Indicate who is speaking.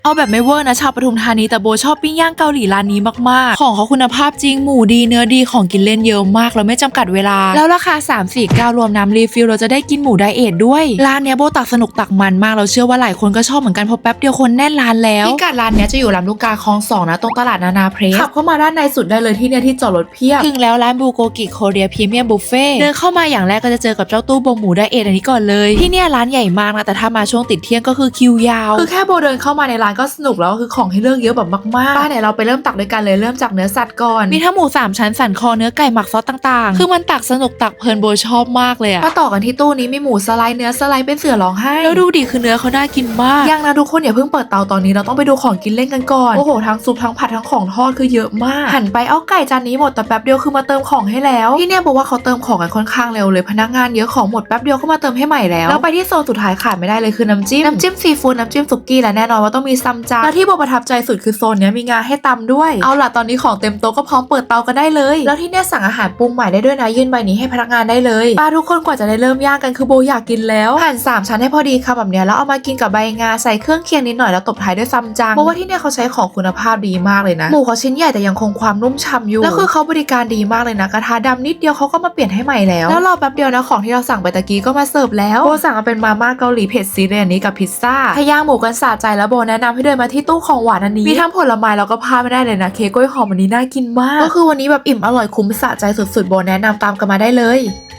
Speaker 1: เอาแบบไม่เวอร์นะชาวปทุมธานีแต่โบชอบปิ้งย่างเกาหลีร้านนี้มากๆของเขาคุณภาพจริงหมูดีเนื้อดีของกินเล่นเยอะมากแล้วไม่จำกัดเวลาแล้วราคา349รวมน้ำรีฟิลเราจะได้กินหมูไดเอทด้วยร้านเนี้ยโบตักสนุกตักมันมากเราเชื่อว่าหลายคนก็ชอบเหมือนกันเพราะแป๊บเดียวคนแน่นร้านแล้วพิกัดร้านเนี้ยจะอยู่ลำลูกกาคลอง2นะตรงตลาดนานาเพรสขับเข้ามาด้านในสุดได้เลยที่เนี่ยที่จอดรถเพียบถึงแล้วร้านบูโกกิโคเรียพรีเมียมบุฟเฟ่เดินเข้ามาอย่างแรกก็จะเจอกับเจ้าตู้บงหมูไดเอทอันนี้ก่อนเลยที่เนี่ยร้านใหญ่มากนะแต่ถ้ามาช่วงติดเที่ยงก็คือคิวยาวคือแค่โบเดินเข้ามาในร้านก็สนุกแล้วคือของให้เลือกเยอะแบบมากๆป้าเนี่ยเราไปเริ่มตักด้วยกันเลยเริ่มจากเนื้อสัตว์ก่อนมีทั้งหมู3ชั้นสันคอเนื้อไก่หมักซอสต่างๆคือมันตักสนุกตักเพลินโบชอบมากเลยอะมาต่อกันที่ตู้นี้มีหมูสไลด์เนื้อสไลด์เป็นเสือร้องไห้แล้วดูดิคือเนื้อเขาน่ากินมากยังนะทุกคนอย่าเพิ่งเปิดเตาตอนนี้เราต้องไปดูของกินเล่นกันก่อนโอ้โหทั้งซุปทั้งผัดทั้งของทอดคือเยอะมากหันไปเอาไก่จานนี้หมดแต่แป๊บเดียวคือมาเติมของให้แล้วที่เนี่ยบอกว่าเขาเติมของกันค่อนข้างเร็วเลยพนักงานเยอะของหมดแป๊บเดียวก็มาเติมให้ใหม่แล้วไปที่โซนสุดท้ายขาดไม่ได้เลยคือน้ำจิ้มซีฟู้ดน้ำจิ้มสุกี้และแน่นอนว่าต้องมีซัมจังและที่โบประทับใจสุดคือโซนเนี้ยมีงาให้ตำด้วยเอาล่ะตอนนี้ของเต็มโต๊ะก็พร้อมเปิดเตากันได้เลยแล้วที่เนี่ยสั่งอาหารปรุงใหม่ได้ด้วยนะยื่นใบนี้ให้พนักงานได้เลยป้าทุกคนกว่าจะได้เริ่มย่างกันคือโบอยากกินแล้วหั่น3ชั้นให้พอดีค่ะแบบเนี้ยแล้วเอามากินกับใบงาใส่เครื่องเคียงนิดหน่อยแล้วตบท้ายด้วยซัมจังเพราะว่าที่เนี่ยเขาใช้ของคุณภาพดีมากเลยนะหมูเขาชิ้นใหญ่แต่ยังคงความนุ่มฉ่ำอยู่แล้วคือเขาบริการดีมากเลยนะกระทะดำนิดเดียวเขาก็มาเปลี่ยนให้ใหม่แล้วรอแป๊บเดียวนะของที่เราสั่งไปตะกี้ก็มาเสิร์ฟแล้วโบสั่งมาเป็นมาม่าเกาหลีเผ็ดซีเรียนนี้กับพิซซ่าถ้าย่างหมูกันสะใจแล้วโบแนะนำให้เดินมาที่ตู้ของหวานอันนี้มีทั้งผลไม้แล้วก็พลาดไม่ได้เลยนะเค้กกล้วยหอมอันนี้น่ากินมากก็คือวันนี้แบบอิ่มอร่อยคุ้มสะใจสุดๆโบแนะนำตามกันมาได้เลย